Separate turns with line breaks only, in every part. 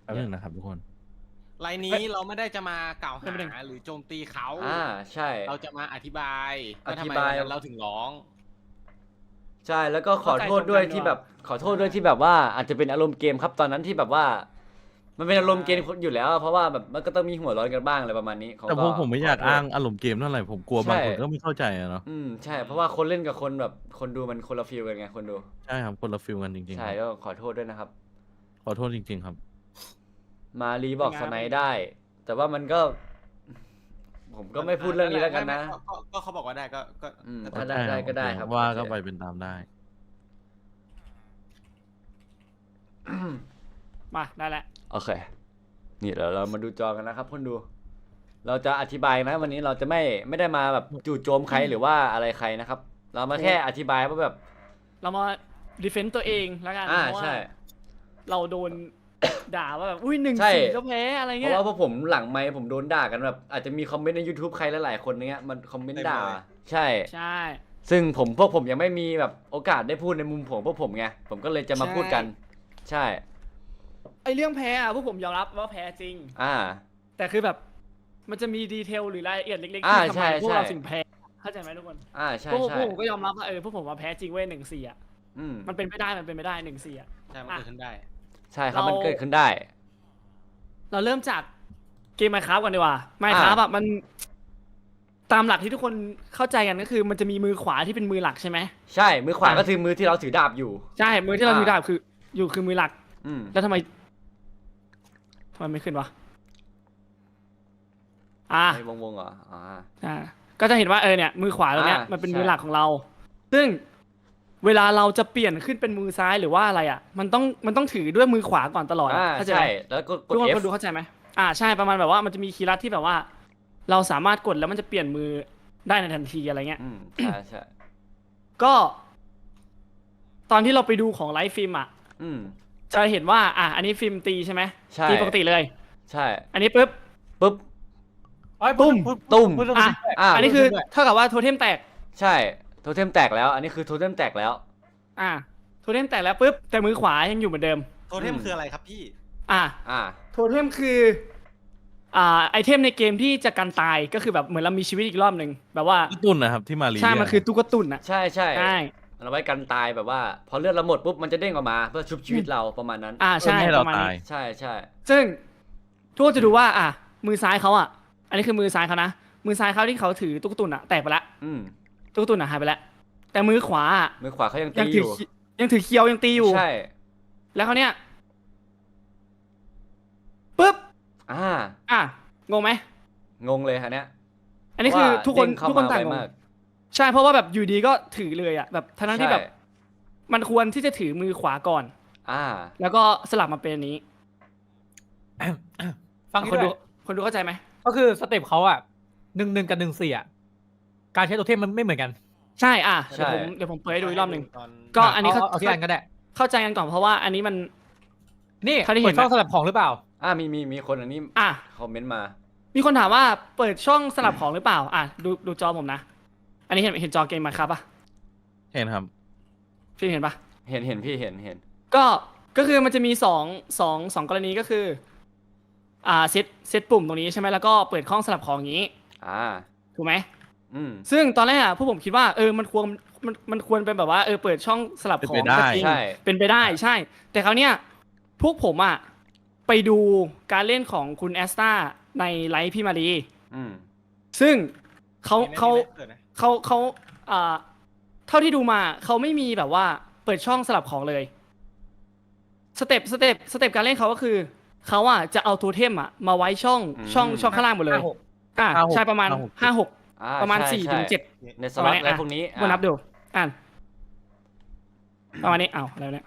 นึงนะครับทุกคน
ไลน์นี้เราไม่ได้จะมากล่าวหาหรือโจมตีเขา
ใช่
เราจะมาอธิบายว่าทำไมเราถึงร้อง
ใช่แล้วก็ขอโทษด้วยที่แบบว่าอาจจะเป็นอารมณ์เกมครับตอนนั้นที่แบบว่า มันเป็นอารมณ์เกมอยู่แล้วเพราะว่าแบบมันก็ต้องมีหัวร้อนกันบ้างอะไรประมาณนี้
แต่ผมไม่อยากอ้างอารมณ์เกมเท่าไหร่ผมกลัวบางคนก็ไม่เข้าใจอะเนาะ
ใช่เพราะว่าคนเล่นกับคนแบบคนดูมันคนละฟีลกันไงคนดู
ใช่ครับคนละฟีลกันจริงๆ
ใช่ก็ขอโทษด้วยนะครับ
ขอโทษจริงๆครับ
มารีบอกสไนได้ แต่ว่ามันก็ผมก็ไม่พูดเรื่องนี้แล้วกันนะ
ก็เขาบอกว่าได้ก็
ได้ก็ได้ครับ
ว่าก็ไปเป็นตามได้
มาได้แล้ว
โอเคนี่เดี๋ยวเรามาดูจอกันนะครับคนดู เราจะอธิบายนะวันนี้เราจะไม่ได้มาแบบจู่โจมใครหรือว่าอะไรใครนะครับ เรามาแค่อธิบายว่าแบบ
เรามาดีเฟนต์ตัวเองแล้วกันเพราะว่าเราโดนด่าว่าแบบอุ้ย1-4ก็แพ้อะไรเงี้ย
เพราะว่าพวกผมหลังไมค์ผมโดนด่ากันแบบอาจจะมีคอมเมนต์ใน YouTube ใครหลายๆคนเนี้ยมันคอมเมนต์ด่าใช่ซึ่งพวกผมยังไม่มีแบบโอกาสได้พูดในมุมของพวกผมไงผมก็เลยจะมาพูดกันใช่
ไอเรื่องแพ้อะพวกผมยอมรับว่าแพ้จริงแต่คือแบบมันจะมีดีเทลหรือรายละเอียดเล็กๆที่ทำไมพวกเราถึงแพ้เข้าใจไหมทุกคน
ใช่
พวกผมก็ยอมรับว่าพวกผมว่าแพ้จริงเว้ย1-4อ่ะมันเป็นไม่ได้1-4อ่ะ
ใช่มันเกิดขึ้นได้
ใช่ครับมันเกิดขึ้นได้
เราเริ่มจากเกม Minecraft กันดีกว่า Minecraft มันตามหลักที่ทุกคนเข้าใจกันก็คือมันจะมีมือขวาที่เป็นมือหลักใช่ไหม
ใช่มือขวาก็คือมือที่เราถือดาบอยู่
ใช่มือที่เราถือดาบคือมือหลักแล้วทำไมไม่ขึ้นวะ
วงเหรอ
ก็จะเห็นว่าเนี่ยมือขวาตรงเนี้ยมันเป็นมือหลักของเราซึ่งเวลาเราจะเปลี่ยนขึ้นเป็นมือซ้ายหรือว่าอะไรมันต้องถือด้วยมือขวาก่อนตลอดเข้าใจไหม
แล้วกด
ทุกคนดูเข้าใจไหมใช่ประมาณแบบว่ามันจะมีคีย์ลัดที่แบบว่าเราสามารถกดแล้วมันจะเปลี่ยนมือได้ในทันทีอะไรเงี้ย
ใช่
ก็ตอนที่เราไปดูของไลฟ์ฟิล์มจะเห็นว่าอันนี้ฟิล์มตีใช่ไหมตีปกติเลย
ใช่
อันนี้ปุ๊บตุ้มอันนี้คือเท่ากับว่าโทเทมแตก
ใช่โทเทมแตกแล้วอันนี้คือโทเทมแตกแล้ว
โทเทมแตกแล้วปุ๊บแต่มือขวายังอยู่เหมือนเดิม
โทเทมคืออะไรครับพี่
โทเทมคือไอเทมในเกมที่จะกันตายก็คือแบบเหมือนเรามีชีวิตอีกรอบหนึ่งแบบว่า
ตุนนะครับที่มารี
ใช่มันคือตุ๊กตุน
ใช่เราไว้กันตายแบบว่าพอเลือดเราหมดปุ๊บมันจะเด้งออกมาเพื่อชุบชีวิตเราประมาณนั้น
ใช่
ให้เราตาย
ใช่
ซึ่งทุกคนจะดูว่ามือซ้ายเขาอันนี้คือมือซ้ายเขานะมือซ้ายเขาที่เขาถือตุ๊กตุนแตกไปแล้วตุ๊กตุนหายไปแล้วแต่มือขวา
เขายังตีอยู่
ยังถือเคียวยังตีอยู่
ใช่
แล้วเขาเนี้ยปุ๊บงงไหม
งงเลยฮะเนี้ย
อันนี้คือทุกคนต่างงงใช่เพราะว่าแบบอยู่ดีก็ถือเลยแบบทั้งที่แบบมันควรที่จะถือมือขวาก่อนแล้วก็สลับมาเป็นอันนี้
ฟัง
คนดูเข้าใจไหม
ก็คือสเต็ปเขา1-1กับ1-4การใช้ตัวเทมมันไม่เหมือนกัน
ใช่เดี๋ยวผมเปิดให้ดูอีกรอบหนึ่งก็อันนี้
เอาที่อันก็ได้
เข้าใจกันก่อนเพราะว่าอันนี้มัน
นี่เปิดช่องสลับของหรือเปล่า
มีคนอันนี้คอมเมนต์มา
มีคนถามว่าเปิดช่องสลับของหรือเปล่าดูจอผมนะอันนี้เห็นจอเกมมาครับป่ะ
เห็นครับ
พี่เห็นป่ะ
เห็นพี่เห็น
ก็คือมันจะมีสองกรณีก็คือเซตปุ่มตรงนี้ใช่ไหมแล้วก็เปิดช่องสลับของอย่างนี้ถูกไหมซึ่งตอนแรกพวกผมคิดว่ามันควรเป็นแบบว่าเปิดช่องสลับของ
จริง
เป็นไปได้ใช่แต่คราวเนี้ยพวกผมไปดูการเล่นของคุณแอสตาในไลฟ์พี่มารีซึ่งเขาเท่าที่ดูมาเขาไม่มีแบบว่าเปิดช่องสลับของเลยสเต็ปการเล่นเขาก็คือเขาจะเอาโทเทมมาไว้ช่องข้างล่างหมดเลยใช่ประมาณ5-6ประมาณ4-7
ในสล็อตอะไรพวกนี้
มานับดูประมาณนี้อะไรเนี่ย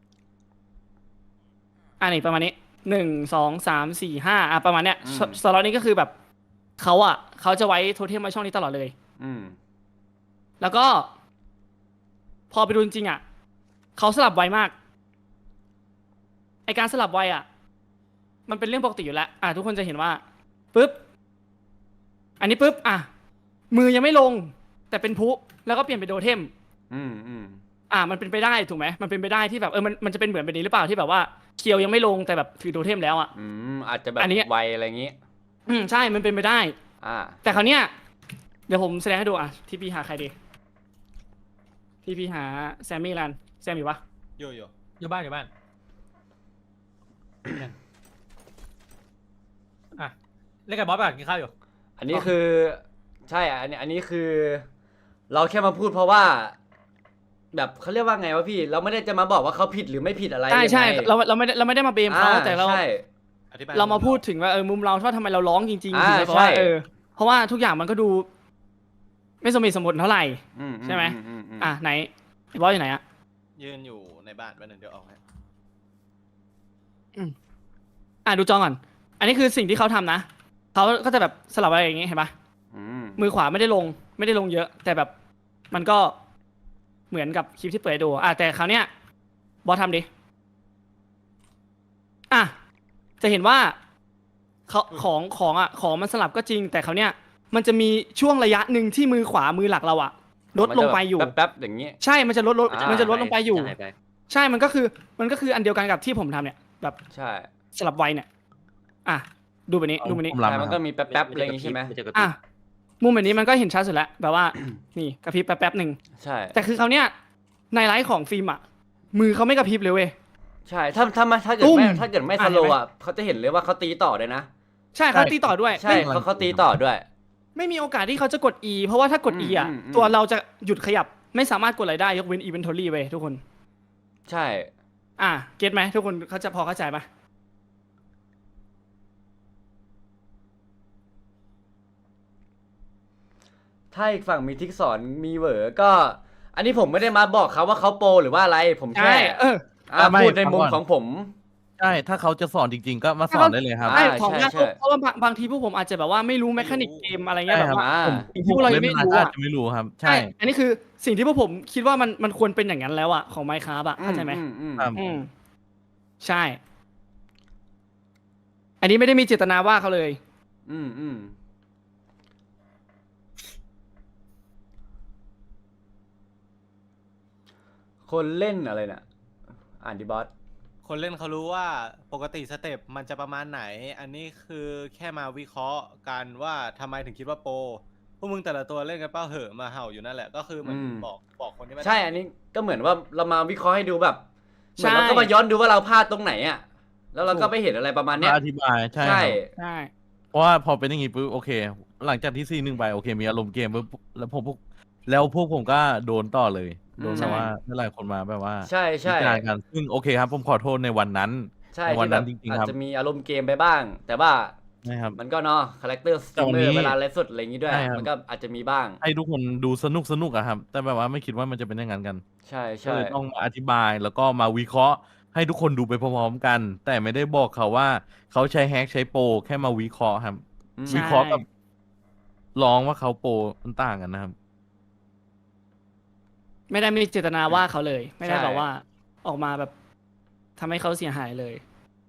นี่ประมาณนี้1-2-3-4-5ประมาณเนี้ยสล็อตนี้ก็คือแบบเขาจะไว้โทเทมไว้ช่องนี้ตลอดเลยแล้วก็พอไปดูจริงเขาสลับไวมากไอการสลับไวมันเป็นเรื่องปกติอยู่แล้วทุกคนจะเห็นว่าปุ๊บอันนี้ปุ๊บมือยังไม่ลงแต่เป็นพุแล้วก็เปลี่ยนเป็นโทเทมมันเป็นไปได้ถูกไหมมันเป็นไปได้ที่แบบมันจะเป็นเหมือนแบบนี้หรือเปล่าที่แบบว่าเคียวยังไม่ลงแต่แบบถือโทเทมแล้วอ่ะ
อาจจะแบบ
อันนี้
ไวอะไรอย่างงี้
ใช่มันเป็นไปได้ แต่คราวเนี้ยเดี๋ยวผมแสดงให้ดูที่พี่หาใครดีที่พี่หาแซมมี่รันแซมอยู่ปะ
อยู่บ้านอ่ะเล่นกับบอสไปก่อนกินข้าวอยู่
อันนี้คือใช่อันนี้คือ เราแค่มาพูดเพราะว่า แบบเขาเรียกว่าไงวะพี่ เราไม่ได้จะมาบอกว่าเขาผิดหรือไม่ผิดอะไร
ใช่
ยังไง
เราไม่ได้มาเบมเขาแต่เรา
ใช่
เรามาพูดถึงว่ามุมเราว่าทำไมเราร้องจริงๆ
ใช่
เพราะว่าเพราะว่าทุกอย่างมันก็ดู ไม่สมเหตุสมผลเท่าไหร่ใช่ไหมไหนไอ้บอสอยู่ไหน
ยืนอยู่ในบ้านวันหนึ่งเดี๋ยวออกให้
ดูจอก่อนอันนี้คือสิ่งที่เขาทำนะเขาก็จะแบบสลับอะไรอย่างงี้เห็นปะมือขวาไม่ได้ลงเยอะ แต่แบบมันก็เหมือนกับคลิปที่เปิดให้ดูแต่คราวเนี้ยบอสทำดิจะเห็นว่าของมันสลับก็จริง แต่คราวเนี้ยมันจะมีช่วงระยะหนึ่งที่มือขวามือหลักเราลดลงไปอยู่
แป๊บๆอย่างงี้
ใช่มันจะลดลงไปอยู่ใช่มันก็คืออันเดียวกันกับที่ผมทำเนี่ยแบบ
ใช่
สลับไวเนี่ยดูแบบนี้
ใช่มันก็มีแป๊บๆอะไรอย่างงี้ใช่ไหม
มุมแบบนี้มันก็เห็นชัดสุดแล้วแบบว่า นี่กระพริบแป๊บหนึ่ง
ใช่
แต่คือเขาเนี้ยในไลฟ์ของฟิล์มมือเขาไม่กระพริบเลยเว้ย
ใช่ถ้าเกิดไม่สโลว์เขาจะเห็นเลยว่าเขาตีต่อเลยนะ
ใช่เขาตีต่อด้วย
ใช่เขาตีต่อด้วย
ไม่มีโอกาสที่เขาจะกด E เพราะว่าถ้ากด E ตัวเราจะหยุดขยับไม่สามารถกดอะไรได้ยกเว้น Inventory เว้ยทุกคน
ใช่
เก็ตไหมทุกคนเขาจะพอเข้าใจปะ
ถ้าอีกฝั่งมีทิกสอนมีเหวอก็ อันนี้ผมไม่ได้มาบอกเขาว่าเขาโปรหรือว่าอะไรผมแค่พูดในมุมของผม
ใช่ถ้าเขาจะสอนจริงๆก็มาสอนได้เลยครับ
ใช่เพราะว่าบางทีพวกผมอาจจะแบบว่าไม่รู้แมคานิกเกมอะไรเงี้ยแบบว่าพวกเรายังไม่รู้
จะไม่รู้ครับใช่
อันนี้คือสิ่งที่พวกผมคิดว่ามันควรเป็นอย่างนั้นแล้วของ Minecraft เข้าใจไหมใช่อันนี้ไม่ได้มีเจตนาว่าเขาเลย
คนเล่นอะไรน่ะอ่านดิบอส
คนเล่นเขารู้ว่าปกติสเต็ปมันจะประมาณไหนอันนี้คือแค่มาวิเคราะห์กันว่าทำไมถึงคิดว่าโปรพวกมึงแต่ละตัวเล่นกันเป้าเหอะมาเห่าอยู่นั่นแหละก็คือเหมือนบอกคนที่ไม่
ใช่อันนี้ก็เหมือนว่าเรามาวิเคราะห์ให้ดูแบบเหมือนเราก็มาย้อนดูว่าเราพลาดตรงไหนแล้วเราก็ไปเห็นอะไรประมาณเนี้ย
อธิบายใช่เพราะว่าพอเป็นอย่างงี้ปุ๊บโอเคหลังจากที่ซี1ไปโอเคมีอารมณ์เกมปุ๊บแล้วพวกผมก็โดนต่อเลยโดนแบบว่าหลายคนมาแบบว่า
ใช่
กันซึ่งโอเคครับผมขอโทษในวันนั้น
ในวันนั้นจริงๆครับอาจจะมีอารมณ์เกมไปบ้างแต่ว่ามันก็เนาะคาแรคเตอร์สตรีมเมอร์เวลาไลฟ์สดอะไรอย่างงี้ด้วยมันก็อาจจะมีบ้าง
ให้ทุกคนดูสนุกครับแต่แบบว่าไม่คิดว่ามันจะเป็นอย่างนั้นกัน
ใช่
เลยต้องอธิบายแล้วก็มาวิเคราะห์ให้ทุกคนดูไปพร้อมๆกันแต่ไม่ได้บอกเขาว่าเขาใช้แฮกใช้โปรแค่มาวิเคราะห์ครับวิเคราะห์กับร้องว่าเขาโปรมันต่างกันนะครับ
ไม่ได้มีเจตนาว่าเขาเลยไม่ได้แบบว่าออกมาแบบทำให้เขาเสียหายเลย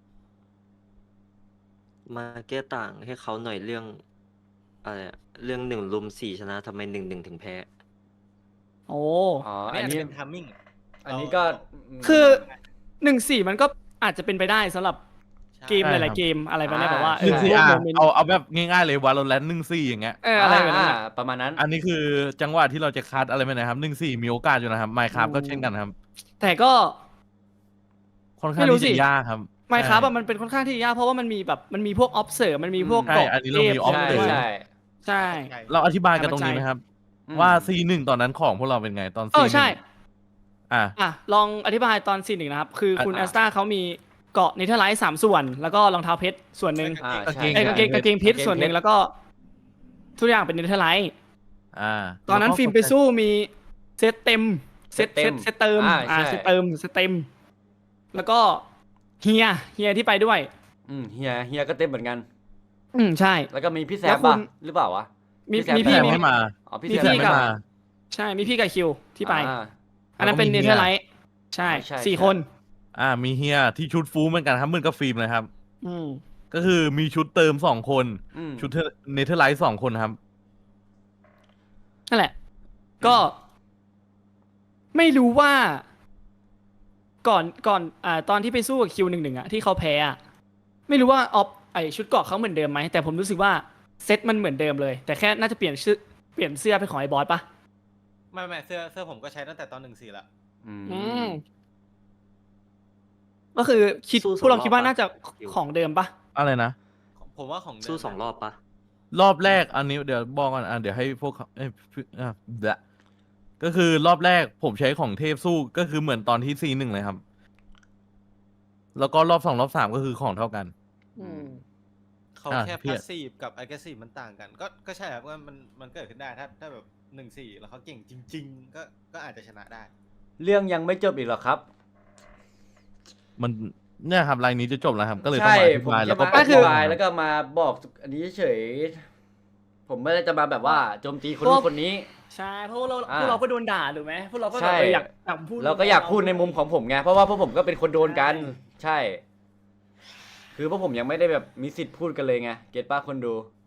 มาแก้ต่างให้เขาหน่อยเรื่องอะไรเรื่อง1-4ชนะทำไม1-1ถึงแพ้
อันนี้เป็นทัมมิ่ง
อันนี้ก็
คือ1-4มันก็อาจจะเป็นไปได้สำหรับเกมหลายๆเกมอะไรแบบนี้แบบว่า
เอาแบบง่ายๆเลยวาโลแรนต์1-4อย่างเงี้ย
อะไรแบบนั้น
ประมาณนั้น
อันนี้คือจังหวะที่เราจะคัดอะไรไปนะครับ1-4มีโอกาสอยู่นะครับ Minecraft ก็เช่นกันครับ
แต่ก็
ค่อนข้างที่จะยากครับ
Minecraft มันเป็นค่อนข้างที่ยากเพราะว่ามันมีพวก observe มันมีพวก
เกาะอันนี้เรามี observe
ใช่
เราอธิบายกันตรงนี้ไหมครับว่า C1 ตอนนั้นของพวกเราเป็นไงตอน C1
ใช่ลองอธิบายตอน C1 นะครับคือคุณแอสตาเขามีเกาะเนเธอร์ไลท์3ส่วนแล้วก็รองเท้าเพชรส่วนหนึ่งกางเกงเพชรส่วนหนึ่งแล้วก็ทุกอย่างเป็นเนเธอร์ไลท์ตอนนั้นฟิล์มไปสู้มีเซตเต็มเซตเติมเซตเต็มแล้วก็เฮียที่ไปด้วย
เฮียก็เต็มเหมือนกัน
ใช่
แล้วก็มีพี่แซมป่ะหรือเปล่าวะ
มีพี่
ไม่มา
พี่แซมไม่มา
ใช่มีพี่กับคิวที่ไปอันนั้นเป็นเนเธอร์ไลท์ใช่4คน
มีเฮียที่ชุดฟูเหมือนกันครับเหมือนกับฟิล์มเลยครับก็คือมีชุดเติม2คนชุดเนเธอร์ไลท์2คนครับ
นั่นแหละก็ไม่รู้ว่าก่อนตอนที่ไปสู้กับQ11อ่ะที่เขาแพ้อ่ะไม่รู้ว่าชุดเกราะเขาเหมือนเดิมไหมแต่ผมรู้สึกว่าเซตมันเหมือนเดิมเลยแต่แค่น่าจะเปลี่ยนเสื้อเป็นของไอ้บอสปะ
ไม่เสื้อผมก็ใช้ตั้งแต่ตอน1-4ละ
อืม
อืมก็คือพวกเราคิดว่าน่าจะของเดิมปะ
อะไรนะ
ผมว่าของเดิม
สู้2 รอบปะ
รอบแรกอันนี้เดี๋ยวบอกก่อนเดี๋ยวให้พวกเขาเดี๋ยวก็คือรอบแรกผมใช้ของเทพสู้ก็คือเหมือนตอนที่C1เลยครับ แล้วก็รอบ2รอบ3ก็คือของเท่ากัน
เขาแค่
เพี้ยน
passive กับ aggressive มันต่างกัน ก็ใช่ครับว่ามันเกิดขึ้นได้ถ้าแบบ1-4แล้วเขาเก่งจริง ๆ ก็อาจจะชนะได้
เรื่องยังไม่จบอีกหรอครับ
มันเนี่ยครับรายนี้จะจบแล้วครับ ก็เลยต้อง
ใช่
มาอธิ
ผม
บาย
จะ
แล้วก็
มาอธิบายแล้วก็มาบอกอันนี้เฉยผมไม่ได้จะมาแบบว่าโจมตีคนนู้นคนนี้
ใช่เพราะว่าเรา
อ่า
พวกเราก็โดนด่าถูกไหมพวกเราก็
ใช่
แบบอยากพูด
เราก็อยากพูดในมุมของผมไงเพราะว่าพวกผมก็เป็นคนโดนกัน ใช่ คือพวกผมยังไม่ได้แบบมีสิทธิ์พูดกันเลยไงเก็ตป้าคนดู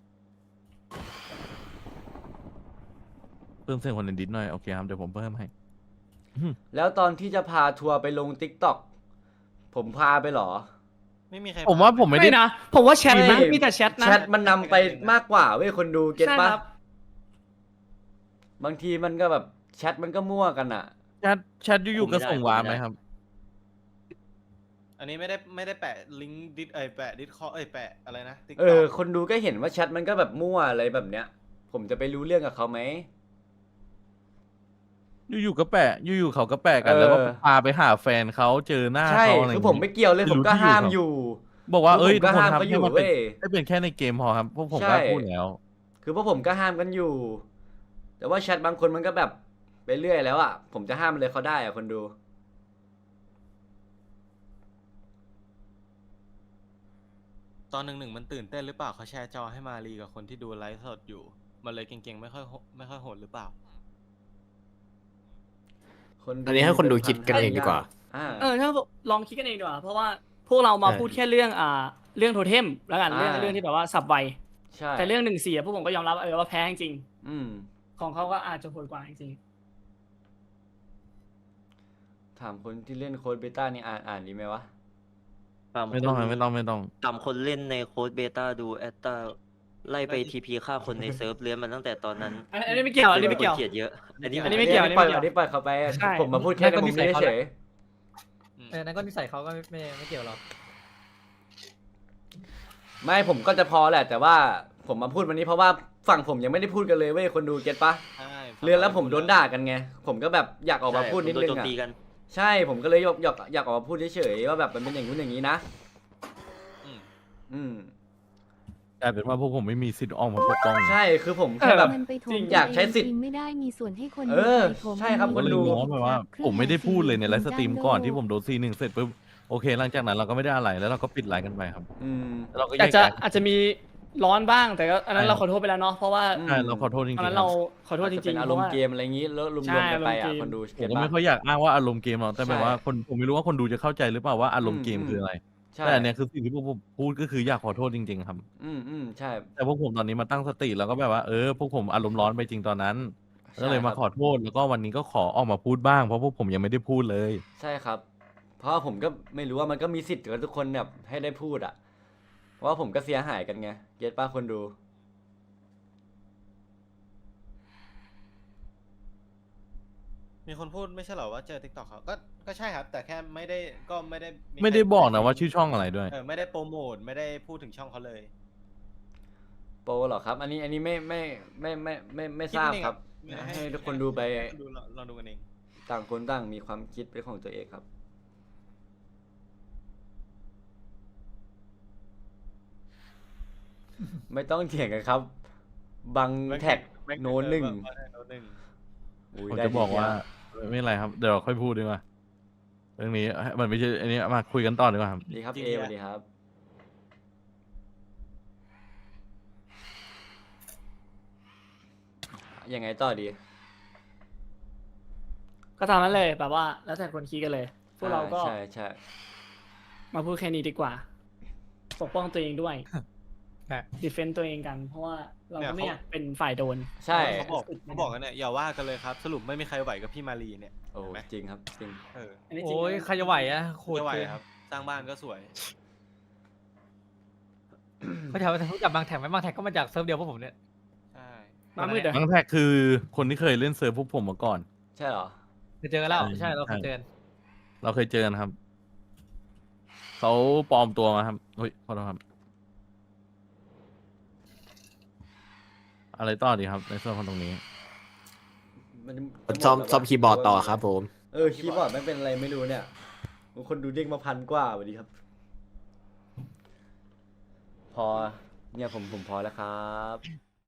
เพิ่มเสียงคนในดิสหน่อยโอเคครับเดี๋ยวผมเพิ่มให้
แล้วตอนที่จะพาทัวร์ไปลง TikTok ผมพาไปเหรอ
ไม่มีใคร
ผมว่าผมไม่ได้
ไม่นะผมว่าแชทนะ
ไม่
มีแต่แชทนะ
แชทมันนำไปมากกว่าเว้ยคนดูเก็ต
ใช่
ป้า
ครับ
บางทีมันก็แบบแชทมันก็มั่วกันอ่ะ
แชทอยู่ๆก็ส่งวาร์ปไหมครับ
อันนี้ไม่ได้แปะลิงก์ดิสแปะดิสคอแปะอะไรนะ TikTok
คนดูก็เห็นว่าแชทมันก็แบบมั่วอะไรแบบเนี้ย ผมจะไปรู้เรื่องกับเขาไหม
อยู่ๆก็แปะอยู่ๆเขาก็แปะกันแล้วก็พาไปหาแฟนเขาเจอหน้า
ใช่
เขาอะไร
คือ
อย่าง
ผม
งี้
ไม่เกี่ยวเลยผมก็ห้ามอยู่
บอกว่า
คือ
เอ้ย
ผมก็
ทุกคน
ห้าม
ครับ
เขาอยู่
ให้มัน
เว้ย
ให้เป็นแค่ในเกมพอครับพวกผม
ใช่
ก็พูดแล้ว
คือพวกผมก็ห้ามกันอยู่ แต่ว่าแชทบางคนมันก็แบบไปเรื่อยแล้วอ่ะ ผมจะห้ามเลยเขาได้อ่ะคนดู
ตอน1-1มันตื่นเต้นหรือเปล่าเขาแชร์จอให้มารีกับคนที่ดูไลฟ์สดอยู่ มันเลยเก่งๆไม่ค่อยโหดหรือเปล่า
อันนี้ให้คนดูคิดกันเองดีกว่า
ถ้าลองคิดกันเองดีกว่าเพราะว่าพวกเรามาพูดแค่เรื่องเรื่องโทเทมแล้วกันเรื่องที่แบบว่าสับไว
ใช่
แต่เรื่อง1-4พวกผมก็ยอมรับว่าแพ้จริง
อืม
ๆของเขาก็อาจจะโหดกว่าจริง
ถามคนที่เล่นโค้ดเบต้านี่อ่านดีไหมวะ
ไม่ต้องครับไม่ต้อง
ตามคนเล่นในโค้ดเบต้าดูแอตตาไล่ไปทีพีฆ่าคนในเซิร์ฟเลี้ยนมันตั้งแต่ตอนนั้น
อันนี้ไม่เกี่ยวอันนี้ไม่เกี่ยว
คนเกลียดเยอะ อันนี้
อันนี้ไม่เกี่ยว
อันนี้ปล่อยเขาไป
ใช่
ผมมาพูดแค่ในมุมนี้เฉย
นั่นก็นิสัยเขาก็ไม่เกี่ยวหรอก
ไม่ผมก็จะพอแหละ แต่ว่าผมมาพูดวันนี้เพราะว่าฝั่งผมยังไม่ได้พูดกันเลยเว้ยคนดูเก็ตปะ
ใช่
เรื่องแล้วผมโดนด่ากันไง ผมก็แบบอยากออกมาพูดนิดนึง
โจม
อ่ะ
ตีกัน
ใช่ผมก็เลยอยากออกมาพูดเฉยๆว่าแบบมันเป็นอย่างนู้นอย่างนี้นะ
อืม
อืม
กลายเป็นว่าพวกผมไม่มีสิทธิ์ออกมาปกป้อง
ใช่คือผมแค่แบบ
มันไปถม
อยากใช้สิทธิ์
ตัวเองไม่ได้มีส่วนให้คน
เออ
ไปถม
ใช่ครับ
ผมก็เลย
ดู
มองแบบว่า ผมไม่ได้พูดเลยในไลฟ์สตรีมก่อนที่ผมโดนC1เสร็จปุ๊บโอเคหลังจากนั้นเราก็ไม่ได้อะไรแล้วเราก็ปิดไลฟ์กันไปครับ
อืม
แล้วเราก็แย
อาจ
ก
จะ
ย้าย
อาจจะมีร้อนบ้างแต่ก็อันนั้น
ใช่
เราขอโทษไปแล้วเนาะเพราะว่า
อืม
ใช่เราขอโทษจริง
ตอน
ๆ
นั้น
ครั
เรา
บ
ขอโทษจ
อาจจะ
ริ
เป็
ง
น
ๆ
อารมณ์เกมอะไรอย่างนี้แล้วรวม
ใช่
ๆกันไปอ่ะ
อารมณ์เกม
คนดู
ผม
เก็ต
ก็
ปะ
ไม่ค่อยอยากอ้างว่าอารมณ์เกมหรอกแต่แบบ
ใช่
ว่าผมไม่รู้ว่าคนดูจะเข้าใจหรือเปล่าว่าอารมณ์เกม
อืม
คืออะไร
ใช่
แต่อันเนี้ยคือสิ่งที่พวกผมพูดก็คืออยากขอโทษจริงๆครับ
ใช่
แต่พวกผมตอนนี้มาตั้งสติแล้วก็แบบว่าพวกผมอารมณ์ร้อนไปจริงตอนนั้น ก็เลยมาขอโทษแล้วก็วันนี้ก็ขอออกมาพูดบ้างเพราะพวกผมยังไม่ได้พูดเลย
ใช่ครับ เพราะว่าผมก็ไม่รู้ว่ามันก็มีสิทธิ์กับทุกคนแบบให้ได้พูดอ่ะ เพราะว่าผมก็เสียหายกันไงเก็ตป้าคนดู
มีคนพูดไม่ใช่เหรอว่าเจอ TikTok เขาก็ใช่ครับ แต่แค่ไม่ได้มี
ไม่ได้บอกนะว่าชื่อช่องอะไรด้วย
ไม่ได้โปรโมทไม่ได้พูดถึงช่องเขาเลย
โปรเหรอครับ อันนี้ไม่ทราบครับ ให้ทุกคนดูไป
ลองดูกันเอง
ต่างคนต่างมีความคิดเป็นของตัวเองครับ ไม่ต้องเถียงกันครับ บังแท็กโน้นหนึ่ง
โน้นหนึ่ง
อุ้ย
ผม
ได้
จะบอก
ที
ว่า
เดีย
ไม่เป็นไรครับเดี๋ยวเราค่อยพูดดีกว่าเรื่องนี้มันไม่ใช่อันนี้มาคุยกันต่อดีกว่าครับ
ดีครับเอสวัสดีครับ ยังไงต่อดี
ก็ตามนั้นเลยแบบว่า แล้วแต่คนคิดกันเลย พวกเราก็
ใช่
มาพูดแค่นี้ดีกว่า ปกป้องตัวเองด้วยดีเฟนต์ตัวเองกัน เพราะว่าเราก็ไม่อยากเป็นฝ่ายโดน
ใช่
เขาบอกกันเนี่ยอย่าว่ากันเลยครับ สรุปไม่มีใครไหวกับพี่มารีเนี่ย
โอ้
เห็นไหม
จริงครับจริง
อันนี้จริง
โอ้ย
นะ
ใครจะไหวอะโคตร
ไม่ไหว
เกิน
ครับ สร้างบ้านก็สวย
เขาถามว่ารู้จักบางแท็กไหมบางแท็กก็มาจากเซิร์ฟเดียวพวกผมเนี่ย
ใช่
มามืดเหรอ
ทั้งแท็กคือคนที่เคยเล่นเซิร์ฟพวกผมมาก่อน
ใช่เหรอ
เคยเจอกันแล้ว
ใช่
ใช่เราเคยเจอกัน
เราเคยเจอกันครับ เขาปลอมตัวมาครับเฮ้ยขอโทษครับ อะไรต่อดีครับ ในส่วนของตรงนี้
มัน
ซ่อมคีย์บอร์ดต่อครับผม
คีย์บอร์ดไม่เป็นอะไรไม่รู้เนี่ยคนดูเด้งมา1,000 กว่าสวัสดีครับ พอเนี่ยผมพอแล้วครับ